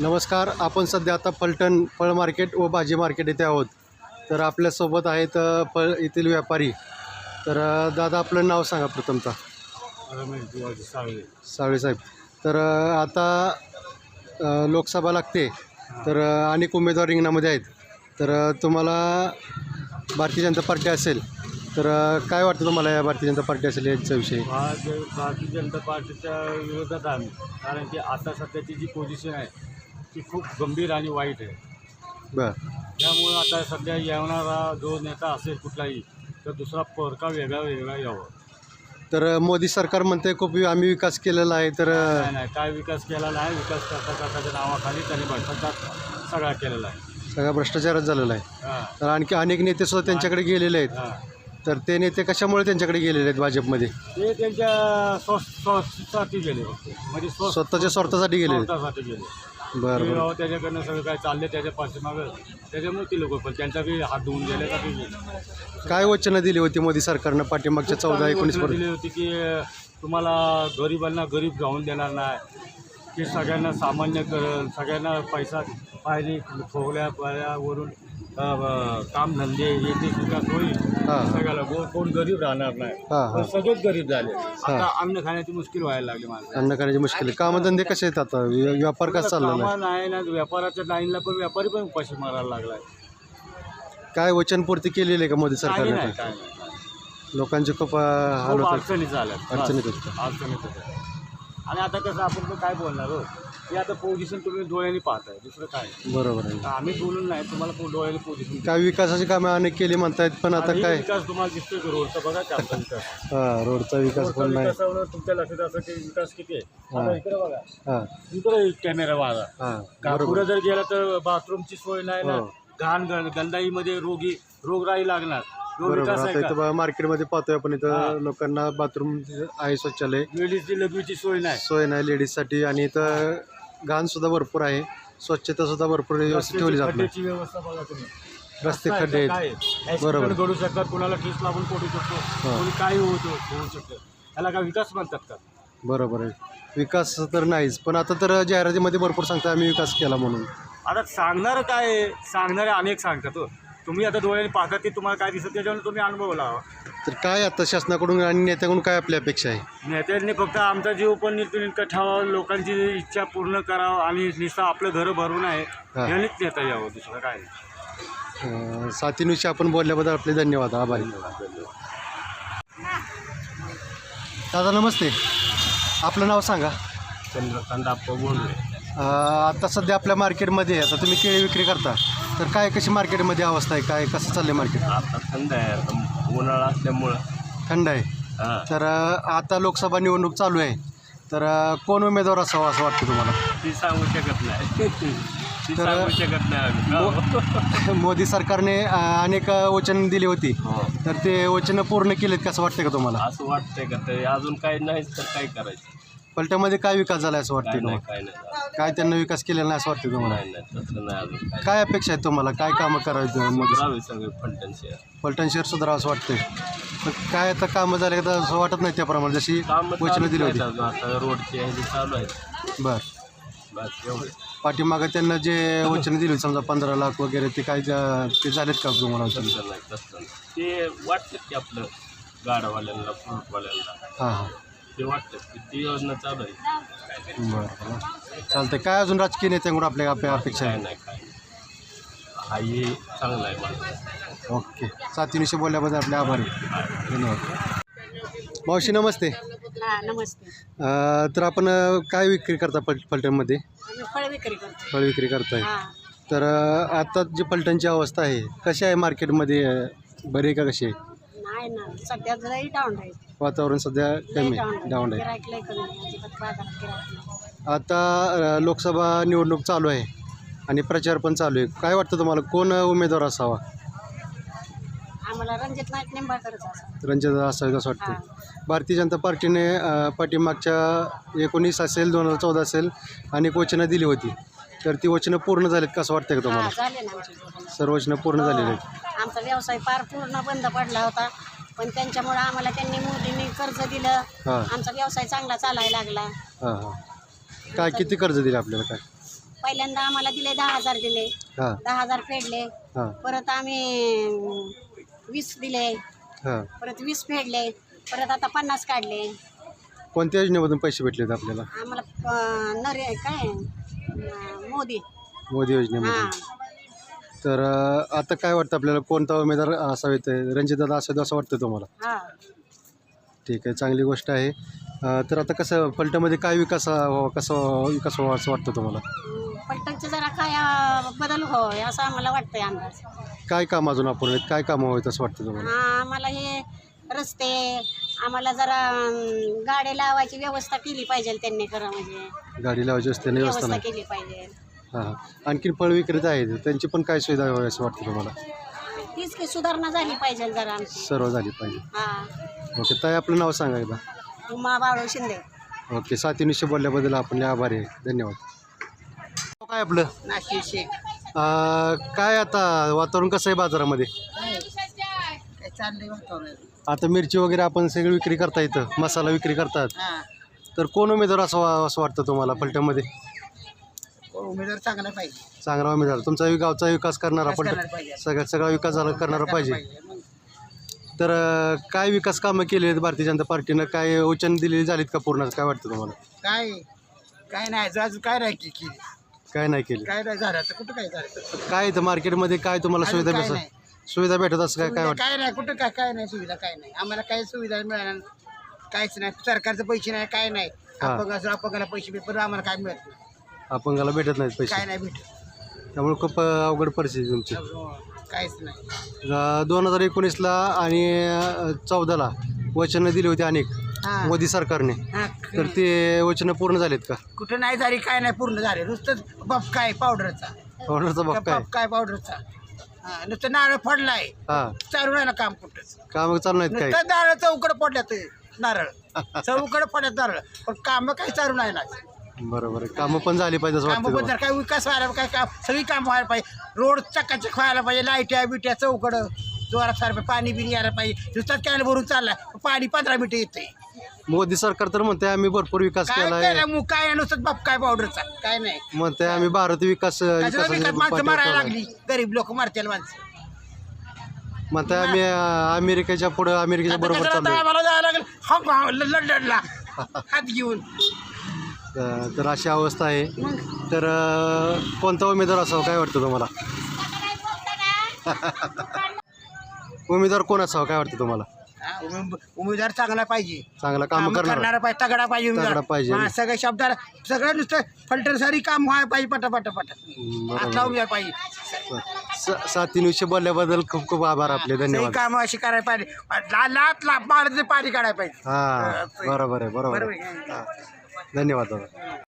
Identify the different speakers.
Speaker 1: नमस्कार. आपण सध्या आता फलटण फळ मार्केट व भाजी मार्केट येथे आहोत. तर आपल्यासोबत आहेत फळ येथील व्यापारी. तर दादा आपलं नाव सांगा प्रथमतः. सावळे साहेब. तर आता लोकसभा लागते, तर अनेक उमेदवार रिंगणामध्ये आहेत. तर तुम्हाला भारतीय जनता पार्टी असेल, तर काय वाटतं तुम्हाला या भारतीय जनता पार्टी असेल याच्याविषयी?
Speaker 2: भारतीय जनता पार्टीच्या विरोधात आम्ही, कारण की आता सध्याची जी पोझिशन आहे ती खूप गंभीर आणि वाईट आहे.
Speaker 1: बरं.
Speaker 2: त्यामुळे आता सध्या येणारा जो नेता असेल कुठलाही, तर दुसरा परका वेगळा यावं.
Speaker 1: तर मोदी सरकार म्हणते खूप आम्ही विकास केलेला आहे. तर
Speaker 2: नाही, काय विकास केला नाही. विकास करता नावाखाली त्यांनी भ्रष्टाचार सगळा केलेला आहे.
Speaker 1: सगळा भ्रष्टाचारच झालेला आहे. तर आणखी अनेक नेते सुद्धा त्यांच्याकडे गेलेले आहेत. तर ते नेते कशामुळे त्यांच्याकडे गेलेले आहेत भाजपमध्ये?
Speaker 2: ते त्यांच्या स्वतःसाठी गेले, म्हणजे
Speaker 1: स्वतःच्या स्वार्थासाठी गेले.
Speaker 2: स्वतःसाठी गेले.
Speaker 1: बरं.
Speaker 2: त्याच्याकडनं सगळं काय चालले त्याच्या पाठीमागं, त्याच्यामुळे ती लोक पण त्यांचा बी हात धुवून गेल्यासाठी गेले.
Speaker 1: काय वचनं दिली होती मोदी सरकारनं पाठीमागच्या 14-19
Speaker 2: दिली होती की तुम्हाला गरिबांना गरीब जाऊन देणार नाही, की सगळ्यांना सामान्य करेल, सगळ्यांना पैसा पाहिजे वरून कामधंदे येते विकास होईल सगळ्याला. कोण गरीब राहणार नाही, सगळेच गरीब झाले. आता अन्न खाण्याची मुश्किल व्हायला लागली माणसं.
Speaker 1: अन्न खाण्याची मुश्किल. कामधंदे कसे आहेत आता? व्यापार कसा चालला
Speaker 2: नाही ना. व्यापाराच्या लाईनला पण व्यापारी पण उपाशी मारायला लागलाय.
Speaker 1: काय वचनपूर्ती केलेली आहे का मोदी सरकारने?
Speaker 2: काय
Speaker 1: लोकांचे खूप हाल होतात,
Speaker 2: अडचणीत झाल्या.
Speaker 1: अडचणीत होतात.
Speaker 2: अडचणीत होत्या. आणि आता कसं आपण काय बोलणार हो, की आता पोझिशन तुम्ही डोळ्यांनी पाहताय, दुसरं काय.
Speaker 1: बरोबर आहे.
Speaker 2: आम्ही बोलून नाही, तुम्हाला डोळ्याने पोझिशन.
Speaker 1: काय विकासाची कामे अनेक केली म्हणतायत, पण आता काय
Speaker 2: विकास तुम्हाला दिसतोय की रोडचा बघा की आमचा विकास.
Speaker 1: रोडचा विकास पण नाही.
Speaker 2: तुमच्या लक्षात असं की विकास किती आहे. आता इकडे बघा,
Speaker 1: हां
Speaker 2: इकडे कॅमेरा वागा.
Speaker 1: हां
Speaker 2: पुढे जर गेला तर बाथरूमची सोय नाही ना. गंधाईमध्ये रोगराई लागणार.
Speaker 1: बरोबर. आता इथं मार्केटमध्ये पाहतोय आपण, इथं लोकांना बाथरूम आहे, शौचालय,
Speaker 2: लेडीजची लघवीची सोय
Speaker 1: नाही लेडीजसाठी. आणि इथं घाण सुद्धा भरपूर आहे, स्वच्छता सुद्धा भरपूर व्यवस्थित ठेवली जात नाही.
Speaker 2: व्यवस्था बघा तुम्ही.
Speaker 1: रस्ते खड्डे आहेत. बरोबर.
Speaker 2: घडू शकतात, कोणाला ठेस लागून पोटू शकतो, कोणी काही होऊ शकतं. त्याला काय विकास म्हणतात का?
Speaker 1: बरोबर आहे. विकास तर नाहीच, पण आता तर जाहिरातीमध्ये भरपूर सांगता आम्ही विकास केला म्हणून.
Speaker 2: आता सांगणार काय, सांगणारे अनेक सांगतात. तुम्ही आता डोळ्याने पाहता ते तुम्हाला काय दिसत, त्याच्यावर तुम्ही अनुभव लावा.
Speaker 1: तर काय आता शासनाकडून आणि नेत्याकडून काय आपली अपेक्षा आहे?
Speaker 2: नेत्यांनी फक्त आमचा जीव पण नीटनेटकं ठेवावा, लोकांची इच्छा पूर्ण करावं, आणि नुसतं आपलं घरं भरून आहे यांनीच नेता यावं, दुसरं काय.
Speaker 1: साथीनुशी आपण बोलल्याबद्दल आपले धन्यवाद, आभारी. दादा नमस्ते, आपलं नाव सांगा.
Speaker 2: चंद्रकांत आप्पा बोलले.
Speaker 1: आता सध्या आपल्या मार्केटमध्ये आता तुम्ही केळी विक्री करता, तर काय कशी मार्केटमध्ये अवस्था आहे, काय कसं चाललं मार्केट?
Speaker 2: आता थंड आहे, उन्हाळा असल्यामुळं
Speaker 1: थंड आहे. तर आता लोकसभा निवडणूक चालू आहे, तर कोण उमेदवार असावा असं वाटतं तुम्हाला?
Speaker 2: ती सांगू शकत नाही. सांगू शकत नाही.
Speaker 1: मोदी सरकारने अनेक वचन दिली होती, तर ते वचनं पूर्ण केलेत कसं वाटतं का तुम्हाला?
Speaker 2: असं वाटतंय का? ते अजून काही नाहीच तर काय करायचं.
Speaker 1: पलट्यामध्ये काय विकास झाला असं वाटतं तुम्हाला?
Speaker 2: काय नाही,
Speaker 1: काय त्यांना विकास केलेला नाही असं वाटतं तुम्हाला?
Speaker 2: तसं नाही. अजून
Speaker 1: काय अपेक्षा आहेत तुम्हाला? काय कामं करायचं मोदी?
Speaker 2: सगळे
Speaker 1: फलटण शहर सुधारावं असं वाटतंय. पण काय आता कामं झाले का असं वाटत नाही त्याप्रमाणे जशी वचनं दिली होती?
Speaker 2: आता रोडची आहे चालू आहे.
Speaker 1: बस एवढे. पाठीमागं त्यांना जे वचनं दिली समजा 15 लाख वगैरे, ते काय ते झालेत का तुम्हाला?
Speaker 2: ते वाटतं की आपलं गाडवाल्यांना, फ्रूटवाल्यांना
Speaker 1: हां
Speaker 2: ते वाटतं की ती योजना चालू आहे.
Speaker 1: बरं चालतंय. काय अजून राजकीय नेत्यांकडून आपल्या अपेक्षा आहे?
Speaker 2: नाही काय हा हे चांगलं आहे मला.
Speaker 1: ओके. साथीनिशी बोलल्याबद्दल आपले आभारी, धन्यवाद. मावशी नमस्ते.
Speaker 3: नमस्ते.
Speaker 1: तर आपण काय विक्री करता फलटणमध्ये?
Speaker 3: फळ विक्री करतो.
Speaker 1: फळ विक्री करताय. तर आता जी फलटणची अवस्था आहे कशी आहे मार्केटमध्ये, बरी आहे का कशी आहे?
Speaker 3: नाही ना, सध्या जराही डाऊन आहे.
Speaker 1: वातावरण सध्या कमी डाऊन आहे. आता लोकसभा निवडणूक चालू आहे आणि प्रचार पण चालू आहे. काय वाटतं तुम्हाला कोण उमेदवार असावा?
Speaker 3: आम्हाला रणजित नाईक निंबाळकरच असावा.
Speaker 1: रणजित असावे असं वाटतं. भारतीय जनता पार्टीने पाठीमागच्या 19 असेल, 2014 असेल, अनेक वचनं दिली होती, तर ती वचनं पूर्ण झालीत कसं वाटतं का तुम्हाला?
Speaker 3: झाले ना,
Speaker 1: सर्व वचनं पूर्ण झालेली आहेत.
Speaker 3: आमचा व्यवसाय फार पूर्ण बंद पडला होता, पण त्यांच्यामुळे आम्हाला त्यांनी मोदींनी कर्ज दिलं. आमचा व्यवसाय चांगला चालायला लागला.
Speaker 1: काय किती कर्ज दिले आपल्याला? काय
Speaker 3: पहिल्यांदा आम्हाला दिले 10,000 दिले,
Speaker 1: हां
Speaker 3: 10,000 फेडले.
Speaker 1: हां
Speaker 3: परत आम्ही 20 दिले,
Speaker 1: हां.
Speaker 3: परत 20 फेडले, परत आता 50 काढले.
Speaker 1: कोणत्या योजनेमधून पैसे भेटले होते आपल्याला?
Speaker 3: आम्हाला काय मोदी.
Speaker 1: मोदी योजनेमधून.
Speaker 3: हां.
Speaker 1: तर आता काय वाटतं आपल्याला, कोणता उमेदवार असावेत? रणजितदादा असावेत असं वाटतं तुम्हाला?
Speaker 3: हां.
Speaker 1: ठीक आहे, चांगली गोष्ट आहे. तर आता कसं फलटणमध्ये काय विकास व्हावा असं वाटतं तुम्हाला?
Speaker 3: पलटणचं जरा काय बदल होय असं आम्हाला वाटतंय अंदाज.
Speaker 1: काय काम अजून अपूर्ण आहेत? काय कामं हवीत असं वाटतं तुम्हाला?
Speaker 3: हां, आम्हाला हे रस्ते, आम्हाला जरा गाडी लावायची व्यवस्था केली पाहिजे त्यांनी, खरं म्हणजे
Speaker 1: गाडी लावायची असते व्यवस्था
Speaker 3: व्यवस्था
Speaker 1: नाही.
Speaker 3: केली पाहिजे.
Speaker 1: हां हां. आणखीन फळ विक्रेते आहेत, त्यांची पण काय सुविधा हवी असं वाटतं तुम्हाला?
Speaker 3: तीच की सुधारणा झाली पाहिजे जरा आमची.
Speaker 1: सर्व झाली पाहिजे.
Speaker 3: हां.
Speaker 1: ओके ताई, आपलं नाव सांगा एकदा.
Speaker 3: उमा बाळू शिंदे.
Speaker 1: ओके, साथीनिशी बोलल्याबद्दल आपण आभारी आहे. धन्यवाद. काय आपलं
Speaker 3: नाशिक शेख.
Speaker 1: काय आता वातावरण कसं आहे बाजारामध्ये?
Speaker 3: काय चाललंय वातावरण?
Speaker 1: आता मिरची वगैरे आपण सगळी विक्री करता इथं, मसाला विक्री करतात.
Speaker 3: हां.
Speaker 1: तर कोण उमेदवार असं वाटतं तुम्हाला फलटणमध्ये?
Speaker 3: उमेदवार चांगला पाहिजे.
Speaker 1: चांगला उमेदवार, तुमचा गावचा विकास करणारा फलटण, सगळा विकास करणारा पाहिजे. तर काय विकास कामं केली आहेत भारतीय जनता पार्टीनं? काय वचन दिलेली झालीत का पूर्ण? काय वाटतं तुम्हाला?
Speaker 3: काय नाही अजून काय नाही की
Speaker 1: काय नाही केली?
Speaker 3: काय नाही झालं तर कुठं काय झालं?
Speaker 1: काय इथं मार्केटमध्ये काय तुम्हाला सुविधा भेटत असं काय वाटतं?
Speaker 3: काय नाही कुठं काय नाही सुविधा, काय नाही आम्हाला, काही सुविधा मिळाल्या काहीच नाही. सरकारचे पैसे नाही, काय नाही. अपंगाला पैसे भेट, पण आम्हाला काय मिळत नाही.
Speaker 1: अपंगाला भेटत नाहीत पैसे,
Speaker 3: काय नाही भेटत.
Speaker 1: त्यामुळे खूप अवघड परिस्थिती तुमची.
Speaker 3: काहीच नाही.
Speaker 1: 2019ला आणि 14ला वचनं दिली होती अनेक
Speaker 3: हां.
Speaker 1: मोदी सरकारने, तर ते वचनं पूर्ण झालेत का?
Speaker 3: कुठं नाही झाली, काय नाही पूर्ण झाले. नुसतंच बफ काय पावडरचा,
Speaker 1: ऑर्डरचा बाप काय?
Speaker 3: काय पावडरचा. नुसतं नारळ फोडलाय,
Speaker 1: हां,
Speaker 3: चालू नाही ना काम कुठंच.
Speaker 1: काम चालू नाहीत काय?
Speaker 3: नुसतं नारळ चौकड पडल्यात, नारळ चौकड पडल्यात नारळ, पण काम काही चालू नाही ना.
Speaker 1: बरोबर आहे, कामं पण झाली पाहिजे असं वाटतं
Speaker 3: कामं
Speaker 1: तुम्हाला?
Speaker 3: काय विकास व्हायला, काय काम सगळी कामं व्हायला पाहिजे. रोड चकाचक व्हायला पाहिजे, लाईट्या बिट्या चौकड जोरात सारखं, पाणी बिणी यायला पाहिजे. नुसतं कॅन भरून चाललाय, पाणी 15 मिनिटं येते.
Speaker 1: मोदी सरकार तर म्हणते आम्ही भरपूर विकास
Speaker 3: काय
Speaker 1: केलाय,
Speaker 3: केलं काय नाही, नुसतं बाप काय पावडरचा, काय नाही.
Speaker 1: म्हणते आम्ही भारत
Speaker 3: कशाला विकास? माणसं
Speaker 1: विकास
Speaker 3: मारायला लागली, गरीब लोक मारतील माणसं.
Speaker 1: म्हणते आम्ही अमेरिकेच्या बरोबर
Speaker 3: आता
Speaker 1: चाललोय.
Speaker 3: आम्हाला जायला लागेल लंडनला हात घेऊन.
Speaker 1: तर अशी अवस्था आहे. तर कोणता उमेदवार असावा काय वाटतं तुम्हाला? उमेदवार कोण असावा काय वाटतं तुम्हाला?
Speaker 3: उमेदवार चांगला पाहिजे,
Speaker 1: चांगला काम
Speaker 3: करणारा पाहिजे, तगडा पाहिजे
Speaker 1: तगडा पाहिजे.
Speaker 3: उमेदवार. सगळ्या शब्दाला सगळं नुसतं फलटण सारी काम व्हायला पाहिजे, पटापट असला उमेदवार पाहिजे.
Speaker 1: साथीनिशी बोलल्याबद्दल खूप खूप आभार आपले. धन्यवाद.
Speaker 3: काम अशी करायला पाहिजे, लात पाणी काढायला पाहिजे.
Speaker 1: हां, बरोबर आहे, बरोबर आहे. हां, धन्यवाद दादा.